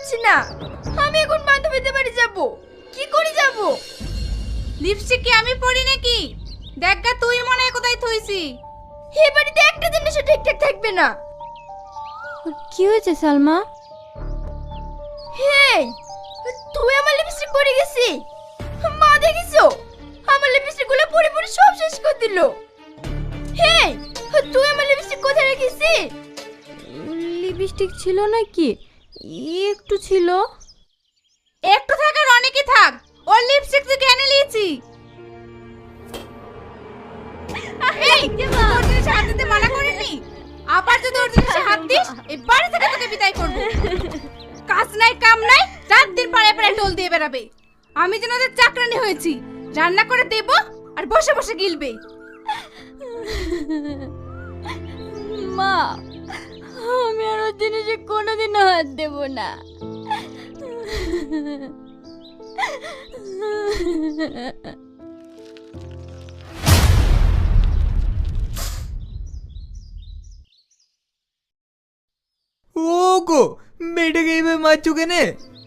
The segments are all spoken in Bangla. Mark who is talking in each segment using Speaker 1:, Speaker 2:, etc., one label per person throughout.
Speaker 1: পাচ্ছি না। আমি এখন বান্ধবীদের বাড়ি যাব, কি করে যাব?
Speaker 2: লিপস্টিক কি আমি পরি নাকি? দেখ গা, তুই মনে হয় কোথায় থইছি।
Speaker 1: এই বাড়িতে একটা জিনিসও ঠিকঠাক থাকবে না।
Speaker 3: কি হয়েছে সালমা?
Speaker 1: হেই, তুই আমার লিপস্টিক পরে গেছি। মা দেখিছো, আমার লিপস্টিক গুলো পরে পরে সব শেষ করে দিল। হেই, তুই আমার লিপস্টিক কোথায় রেখেছি?
Speaker 3: লিপস্টিক ছিল নাকি? একটু ছিল।
Speaker 2: একটু থাক আর অনেকই থাক, ওর লিপস্টিক তুই কেন নিয়েছি? এই, তোর জিনিসে হাত দিতে মানা করিনি? আবার যদি ওর জিনিসে হাত দিস, এই বাড়ি থেকে তোকে বিদায় করব। কাজ নাই কাম নাই, রাত দিন পাড়ায় পাড়ায় টোল দিয়ে বেড়াবে। আমি যেন ওদের চাকরানি হয়েছি, রান্না করে দেব আর বসে বসে গিলবে।
Speaker 3: মা, আমি আর ওর জিনিসে কোনোদিনও হাত দেব না।
Speaker 4: ওগো, মেয়েটাকে এইভাবে মারছো কেনে?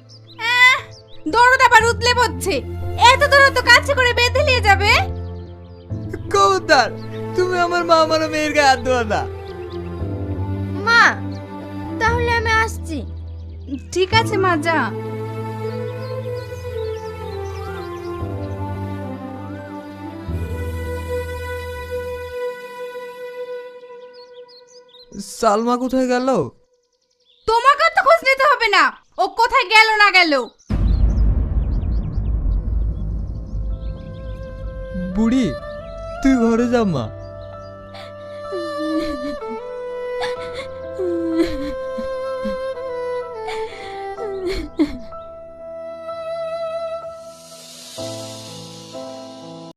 Speaker 2: দরদ আবার উতলে পড়ছে, এত দরদ তো কাছে করে বেঁধে নিয়ে যাবে।
Speaker 4: খবরদার, তুমি আমার মা আমার মেয়ের গায়ে হাত দেওয়া না।
Speaker 1: মা, তাহলে আমি আসছি।
Speaker 2: ঠিক আছে মা, যা।
Speaker 4: সালমা কোথায় গেল?
Speaker 2: তোমাকে তো খোঁজ নিতে হবে না, ও কোথায় গেল না গেল।
Speaker 4: বুড়ি, তুই ঘরে যা মা।